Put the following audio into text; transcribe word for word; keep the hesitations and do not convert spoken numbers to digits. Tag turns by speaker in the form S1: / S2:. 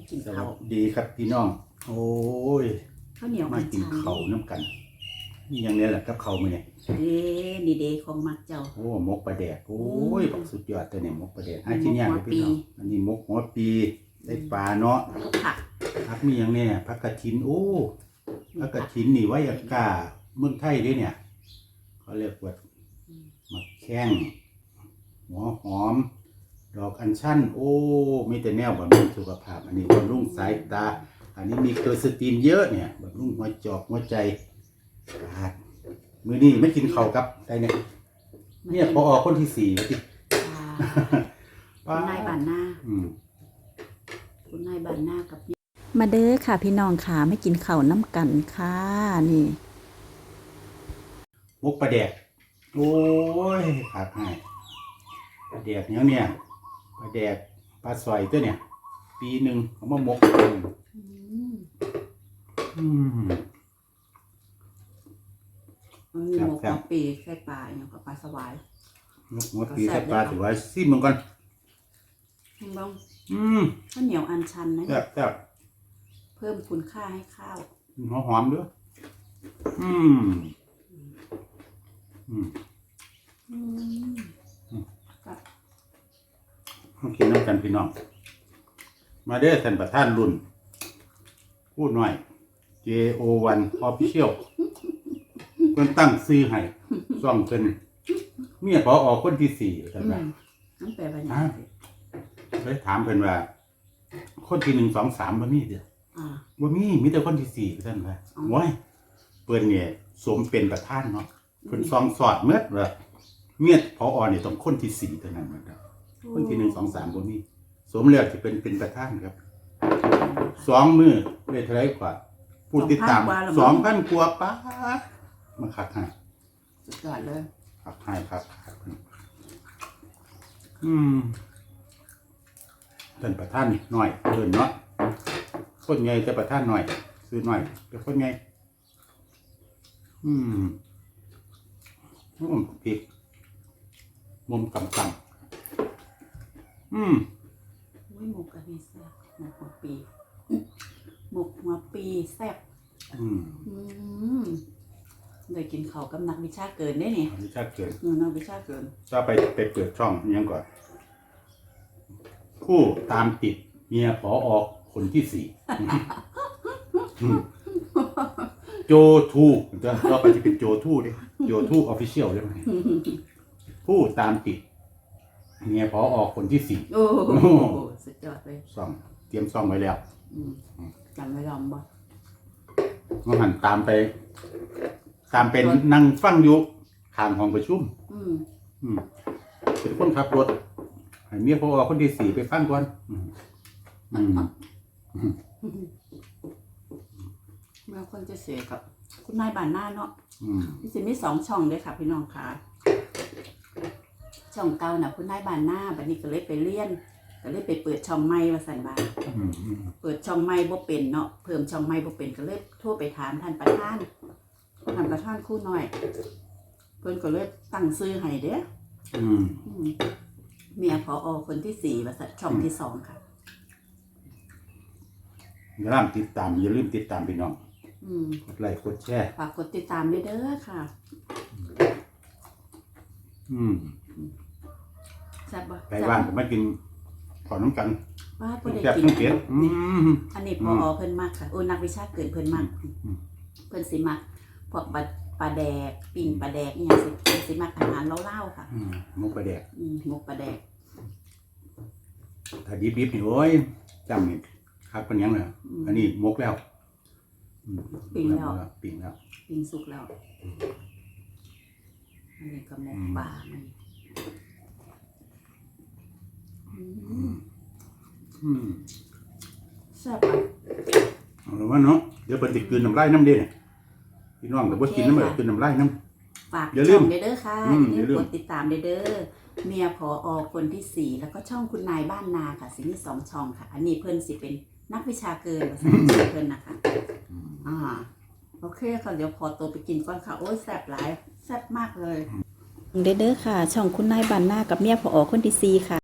S1: กิน
S2: สวั
S1: ข้าว
S2: สดีครับพี่น้อง โอ้ย
S1: ข้าวเหนียว
S2: มากินข้าวน้ำกันนี่อย่างนี้แหละกับข้าวมื้อนี้
S1: เด้นี่เด้ของมักเจ้า
S2: โอ้หมกปลาแดกโอ้ยบักสุดยอดตัวนี้หมกปลาแดกให้
S1: หมก
S2: ชิ้นใหญ่
S1: หั
S2: เล
S1: วย
S2: พี่น้อง
S1: ปี
S2: อันนี้หมกหัวปีได้ปลาเนาะ
S1: ผัก
S2: ผักมีอย่างเนี้ยผักกระถินโอ้ผักกระถินนี่ไว้อากาเมืองไทยเด้เนี่ยเขาเรียกว่ามักแข้งหัวหอม ดอกอัญชันโอ้มีแต่แนวบำรุงสุขภาพอันนี้บำรุงสายตา อันนี้มีเคอร์สตีนเยอะเนี่ยบำรุงหัวจอกหัวใจปาดมือนี้ไม่กินข้าวกับได้เนี่ยเนี่ยพอออกคนที่สี่แล้วที่
S1: คุณนายบานหน้า
S2: อืม
S1: คุณนายบานหน้ากับมาเด้อค่ะพี่น้องค่ะไม่กินข้าวน้ำกันค่ะนี่
S2: มกปลาแดกโอ้ยขาดให้ปลาแดกเนี้ยเนี่ยปลาแดกปลาสอยตัวเนี่ย ปีหนึ่งเขามามกอืม
S1: อืม
S2: อืม
S1: มันมีหมกหัวปีใส่ปลาอย่างกับปลาสวาย
S2: มกหัวปีใส่ปลาถือว่าซิมเหมือนกัน
S1: เห็นบ้าง
S2: อืม
S1: ข้าวเหนียวอันชันนะ
S2: แซ่บแซ่บ
S1: เพิ่มคุณค่าให้ข้าว
S2: หอมหอมด้วยอืมอืม
S1: อืมกับ
S2: ต้องกินน้ำกันพี่น้อง มาเด้อท่านประธานรุ่น พูดหน่อย เจ โอ วัน Official เพิ่นตั้งซื้อให้ซ่องเพิ่นเมียพอออกคนที่สี่ท่าน
S1: อื
S2: ว่าม
S1: น้ำแปลว่าอย่าง
S2: อ่า เลยถามเพิ่นว่า คนที่หนึ่งสองสามบ่มีเด้อ
S1: อ่า
S2: บ่มีมีแต่คนที่สี่ท่านว่า
S1: อ๋อ
S2: โอ้ยเพิ่นเนี่ยสมเป็นประธานเนาะเพิ่นซองสอดเมื่อว่าเมียพออนี่ต้องคนที่สี่เท่านั้นนะครับคนที่หนึ่งสองสามบ่มีสมแล้วจะเป็นเป็นประธานครับ สองมือได้เท่าไรกว่าผู้ติดตามสองพันกว่าป้าดมาขัดให้
S1: สุดยอดเลย
S2: ขัดให้ครับขัดให้อืมท่านประธานหน่อยเดินเนาะคนไงแต่ประธานหน่อยซื้อหน่อยเป็นคนไงอืมอืมผิดมุมต่ำๆอืม
S1: อุ้ยหมกกะทิแซ่บหมกหัวปีหมกหัวปีแซ่บ
S2: อืม
S1: อืมเลยกินข้าวกับนักวิชาเกินได้นี่
S2: อันนี้ชัดเกิน
S1: อืมนักวิชาเกิน
S2: ถ้าไปไปเปิดช่องยังก่อน ผู้ตามติดเมียผอออกคนที่สี่อืมโจทูจะก็ไปจะเป็นโจทูดิโจทูออฟฟิเชียลใช่ไหมผู้ตามติดเมียผอออกคนที่สี่
S1: โอ้โหสุดยอดเลย
S2: ซ่องเตรียมซ่องไว้แล้ว
S1: อืมจำไว้ลองบ่
S2: ก็หันตามไป ตามเป็นนั่งฟังอยู่ข้างห้องประชุม
S1: อืม
S2: อืมเป็นคนขับรถให้เมียพอออกคนที่สี่ไปฟังก่อนอืมอืม
S1: เมื่อคนจะเสียกับคุณนายบานหน้าเนาะ
S2: อืม
S1: พี่สิมีสองช่องเลยค่ะพี่น้องค่ะช่องเก่าน่ะคุณนายบานหน้าบัดนี้ก็เลยไปเรียนก็เลยไปเปิดช่องใหม่ว่าซั่นว่า
S2: อืมอืม
S1: เปิดช่องใหม่บ่เป็นเนาะเพิ่มช่องใหม่บ่เป็นก็เลยโทรไปถามท่านประธานท่านประธานครู่น้อย เพิ่นก็เลยตั้งชื่อให้เด้อ
S2: อืม
S1: อืมเมียผอคนที่สี่ว่าซั่นช่องที่สองค่ะ
S2: อย่าลืมติดตามอย่าลืมติดตามพี่น้อง
S1: อืม
S2: กดไลค์กดแชร์
S1: ฝากกดติดตามด้วยเด้อค่ะ
S2: อืม
S1: แซ่บบ่
S2: ไก่บ้านก็มากินขอน้ำกัน
S1: ว่าบ่ได้
S2: แซ่บ
S1: กิน
S2: ทั้งเผ็ดอืม
S1: อันนี้พอเพิ่นมักค่ะโอ้นักวิชาเกินเพิ่นมัก
S2: อืม
S1: เพิ่นสิมักพวกปลาปลาแดกปิ้งปลาแดกอีหยังสิเพิ่นสิมักอาหารเล่าวๆค่ะ
S2: อืมหมกปลาแดก
S1: อืมหมกปลาแดก
S2: ถ้าดิบๆนี่โอ้ยจำนี่คักเป็นหยังเลยอันนี้หมกแล้วอืม
S1: ปิ้งแล้ว
S2: ปิ้งแล้ว
S1: ปิ้งสุกแล้วอันนี้ก็หมกปลามันอืม
S2: อืม
S1: แซ่บอ่ะ
S2: เอาละว่าเนาะเดี๋ยวเพิ่นสิกลืนน้ำลายน้ำเด้เนี่ยพี่น้องก็บ่กินน้ำเด้กลืนน้ำลายน้ำ
S1: ฝาก
S2: อย่าลื
S1: ช่
S2: ม
S1: องเด้อค่ะ
S2: อืม
S1: อย่า
S2: อย่าลื
S1: ลืม
S2: ม
S1: กดติดตามเด้อเมียพออคนที่สี่แล้วก็ช่องคุณนายบ้านนาค่ะสิมีสองช่องค่ะ อันนี้เพิ่นสิเป็นนักวิชาเกินภาษาอังกฤษเพิ่นนะคะอ่าโอเคค่ะเดี๋ยวพอตัวไปกินก่อนค่ะโอ้ยแซ่บหลายแซ่บมากเลยเด้อค่ะ ช่องคุณนายบ้านนากับเมียพออคนที่สี่ค่ะ